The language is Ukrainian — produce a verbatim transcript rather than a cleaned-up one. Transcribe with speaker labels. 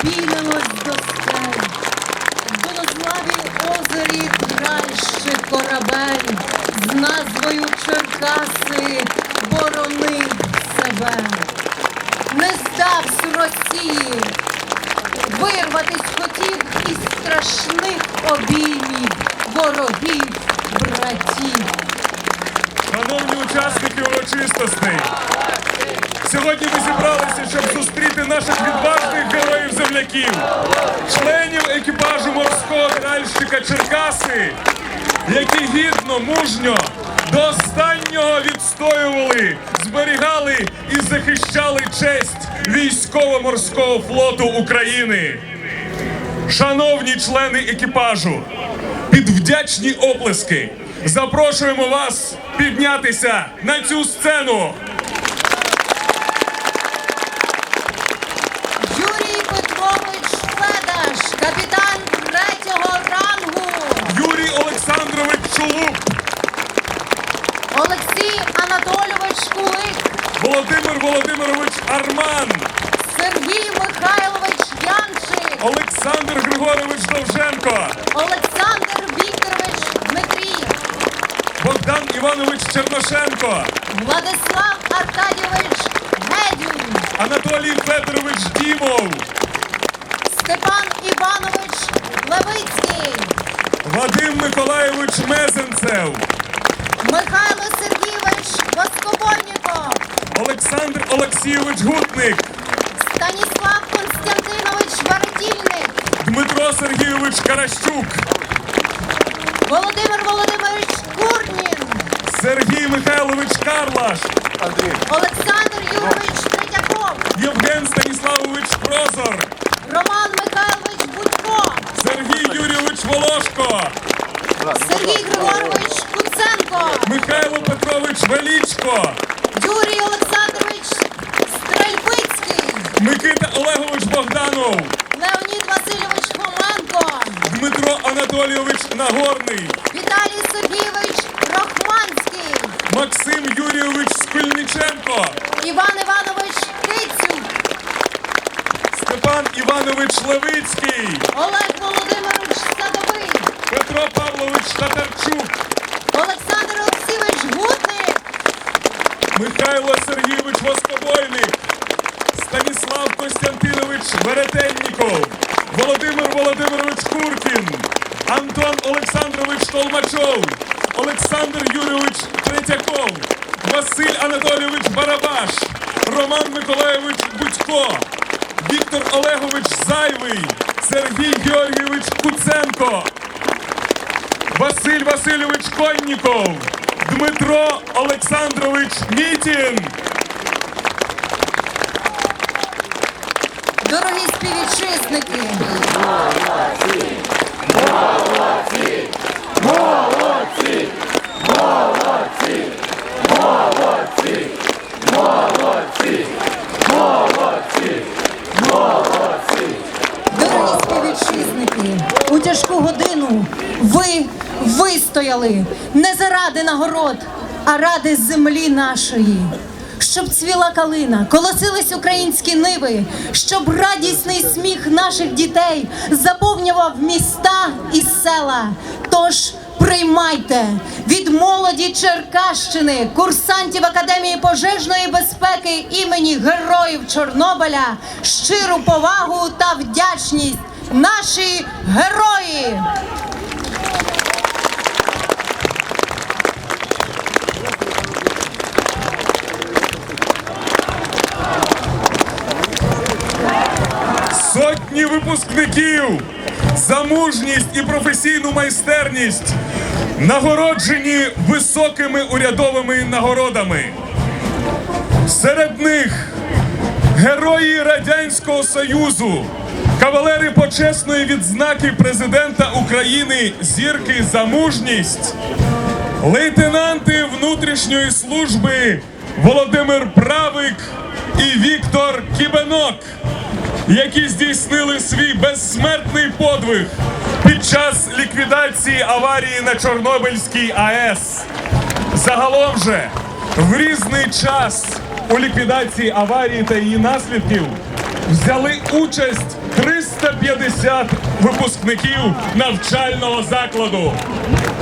Speaker 1: підіймемось до скель. В Долославі озері тральщик корабель з назвою Черкаси боронив себе. Не здавсь Росії, вирватись хотів із страшних обіймів ворогів братів.
Speaker 2: Шановні учасники урочистостей, сьогодні ми зібралися, щоб зустріти наших відважних героїв-земляків, членів екіпажу морського тральщика Черкаси, які гідно, мужньо до останнього відстоювали, зберігали і захищали честь військово-морського флоту України. Шановні члени екіпажу, під вдячні оплески запрошуємо вас піднятися на цю сцену.
Speaker 1: Юрій Петрович Федаш, капітан третього рангу.
Speaker 2: Юрій Олександрович Чулук.
Speaker 1: Олексій Анатолійович Кулик.
Speaker 2: Володимир Володимирович Арман.
Speaker 1: Сергій Михайлович Янчик.
Speaker 2: Олександр Григорович Довженко.
Speaker 1: Олександр Вікторович Дмитрій.
Speaker 2: Богдан Іванович Черношенко.
Speaker 1: Владислав Аркадійович Гедюн.
Speaker 2: Анатолій Федорович Дімов.
Speaker 1: Степан Іванович Левицький.
Speaker 2: Вадим Миколайович Мезенцев.
Speaker 1: Михайло Сергійович Воскобойніков.
Speaker 2: Олександр Олексійович Гутник.
Speaker 1: Станіслав Константинович Варетільник.
Speaker 2: Дмитро Сергійович Каращук.
Speaker 1: Володимир Володимирович Курнін.
Speaker 2: Сергій Михайлович Карлаш.
Speaker 1: Олександр Юрович Третьяков.
Speaker 2: Євген Станіславович Прозор.
Speaker 1: Роман Михайлович Будько.
Speaker 2: Сергій Юрійович Волошко.
Speaker 1: Сергій Григорович Куценко.
Speaker 2: Михайло Петрович Велічко.
Speaker 1: Юрій Олександрович Стрельбицький.
Speaker 2: Микита Олегович Богданов.
Speaker 1: Леонід Васильович Хоменко.
Speaker 2: Дмитро Анатолійович Нагорний.
Speaker 1: Віталій Сергійович Рахманський.
Speaker 2: Максим Юрійович Скульниченко.
Speaker 1: Іван Іванович Кицюк.
Speaker 2: Степан Іванович Левицький.
Speaker 1: Олег Володимирович Садовий.
Speaker 2: Петро Павлович Татарчук.
Speaker 1: Олександр Олексійович Гутник.
Speaker 2: Михайло Сергійович Воскобойник. Станіслав Костянтинович Веретенніков. Володимир Володимирович Куркін. Антон Олександрович Толмачов. Олександр Юрійович Третьяков. Василь Анатолійович Барабаш. Роман Миколайович Будько. Віктор Олегович Зайвий. Сергій Георгійович Куценко. Василь Васильович Конніков. Дмитро Олександрович Мітін.
Speaker 1: Дорогі співвітчизники,
Speaker 3: Молодці! Молодці! Молодці! Молодці! Молодці! Молодці! Молодці! Молодці!
Speaker 1: дорогі співвітчизники, у тяжку годину ви вистояли не заради нагород, а ради землі нашої. Щоб цвіла калина, колосились українські ниви, щоб радісний сміх наших дітей заповнював міста і села. Тож приймайте від молоді Черкащини, курсантів Академії пожежної безпеки імені Героїв Чорнобиля, щиру повагу та вдячність. Наші герої!
Speaker 2: Сотні випускників за мужність і професійну майстерність нагороджені високими урядовими нагородами. Серед них герої Радянського Союзу, кавалери почесної відзнаки президента України «Зірки за мужність», лейтенанти внутрішньої служби Володимир Правик і Віктор Кібенок, які здійснили свій безсмертний подвиг під час ліквідації аварії на Чорнобильській АЕС. Загалом же в різний час у ліквідації аварії та її наслідків взяли участь триста п'ятдесят випускників навчального закладу.